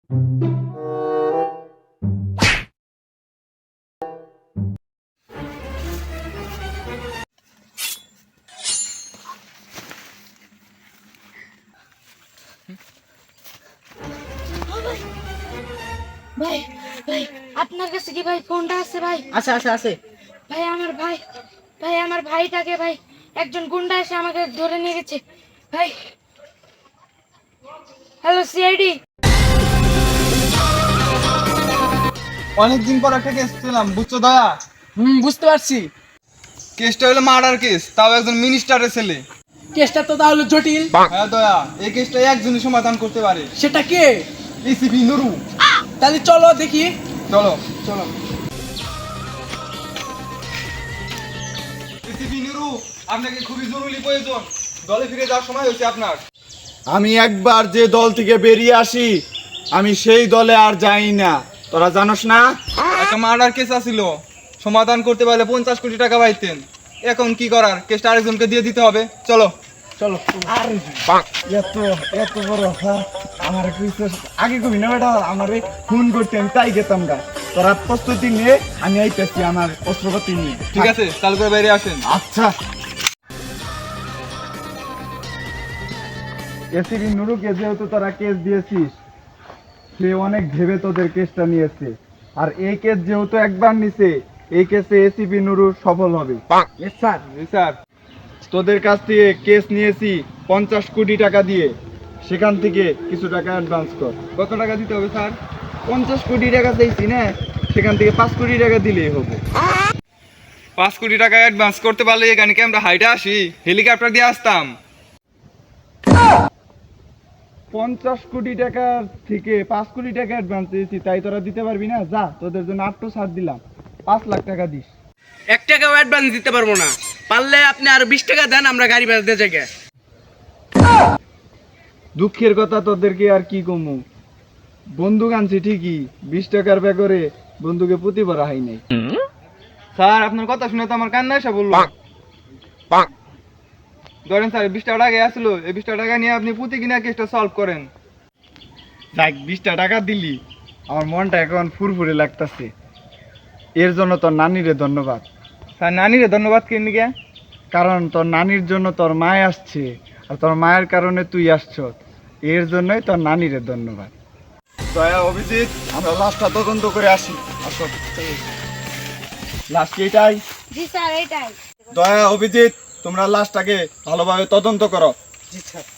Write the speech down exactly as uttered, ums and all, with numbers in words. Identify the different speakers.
Speaker 1: ভাই ভাই আপনার কাছে কি ভাই ফোনটা আছে ভাই?
Speaker 2: আছে আছে আছে
Speaker 1: ভাই আমার ভাই ভাই আমার ভাইটাকে ভাই একজন গুন্ডা এসে আমাকে ধরে নিয়ে গেছে ভাই। Hello CID.
Speaker 3: অনেকদিন পর একটা কেস পেলাম, বুঝছো দয়া?
Speaker 2: হুম বুঝতে পারছি।
Speaker 3: কেসটা হলো মার্ডার কেস, তাও একজন মিনিস্টারের ছেলে।
Speaker 2: কেসটা তো তাহলে জটিল।
Speaker 3: হ্যাঁ দয়া, এই কেসটা একজনই সমাধান করতে পারে।
Speaker 2: সেটা কে?
Speaker 3: এসিপি নুরু।
Speaker 2: তাহলে চলো দেখি।
Speaker 3: চলো চলো। এসিপি নুরু, আপনাকে খুবই জরুরি প্রয়োজন। দলে ফিরে যাওয়ার সময় হয়েছে আপনার।
Speaker 4: আমি একবার যে দল থেকে বেরিয়ে আসি আমি সেই দলে আর যাই না, তোরা জানোস না?
Speaker 3: একটা মার্ডার কেস আছিল, সমাধান করতে পারলে পঞ্চাশ কোটি টাকা পাইতেন। এখন কি করার, কেসটা আরেকজনকে দিয়ে দিতে হবে। চলো
Speaker 2: চলো।
Speaker 4: আর এত এত বড় অফার আমার কিছু আগে কবি না বেটা, আমার ফোন করতে আমি তাই গেতাম গা। তোরা প্রস্তুতি নিয়ে আমি আইতেছি আমার অস্ত্রপাতি নিয়ে।
Speaker 3: ঠিক আছে, চালু করে বাইরে আসেন।
Speaker 4: আচ্ছা। এসিবি নুরুকে যেহেতু তোরা কেস দিয়েছিস, সে অনেক ভেবে তোদের কেসটা নিয়েছে। আর এই কেস যেহেতু একবার নিছে, এই কেসে এসিপি নুরু সফল হবে।
Speaker 2: স্যার
Speaker 3: জি স্যার।
Speaker 4: তোদের কাছ থেকে কেস নিয়েছি পঞ্চাশ কোটি টাকা দিয়ে, সেখান থেকে কিছু টাকা অ্যাডভান্স কর।
Speaker 3: কত টাকা দিতে হবে স্যার?
Speaker 4: পঞ্চাশ কোটি টাকা চাইছি না, সেখান থেকে পাঁচ কোটি টাকা দিলেই হবে।
Speaker 3: পাঁচ কোটি টাকা অ্যাডভান্স করতে পারলে এখানে কি আমরা হাইটে আসি, হেলিকপ্টার দিয়ে আসতাম।
Speaker 4: পঞ্চাশ কোটি টাকার থেকে পাঁচ কোটি টাকা অ্যাডভান্স দিয়েছি, তাই তোরা দিতে পারবি না? যা, তোদের জন্য আটটো ছাড় দিলাম, পাঁচ লাখ টাকা দিস।
Speaker 2: এক টাকাও অ্যাডভান্স দিতে পারবো না। পারলে আপনি আরো বিশ টাকা দেন, আমরা গাড়ি বেচতে জায়গা।
Speaker 4: দুঃখের কথা তোদেরকে আর কি কমু, বন্দুক আনছি ঠিকই, বিশ টাকার ব্যাগরে বন্দুকে পুঁতি ভরা হয় নাই।
Speaker 3: স্যার আপনার কথা শুনে তো আমার কান্না এসে বললো। ধরেন স্যার, বিশ টাকা টাকা আসলো, এই বিশ টাকা নিয়ে আপনি পুঁতি কিনা কেসটা সলভ করেন।
Speaker 4: যাক, বিশটা টাকা দিলি, আমার মনটা এখন ফুরফুরে লাগতেছে। এর জন্য তোর নানিরে ধন্যবাদ।
Speaker 3: স্যার নানিরে ধন্যবাদ কেন গিয়া?
Speaker 4: কারণ তোর নানির জন্য তোর মায় আসছে, আর তোর মায়ের কারণে তুই আসছ, এর জন্যই তোর নানিরে ধন্যবাদ। দয়া, অভিজিৎ, আমরা লাশটা তদন্ত করে আসি। আসো। লাশ কি এটাই?
Speaker 1: জি স্যার এটাই।
Speaker 4: দয়া, অভিজিৎ, তোমরা লাশটাকে ভালোভাবে তদন্ত করো।
Speaker 2: জি স্যার।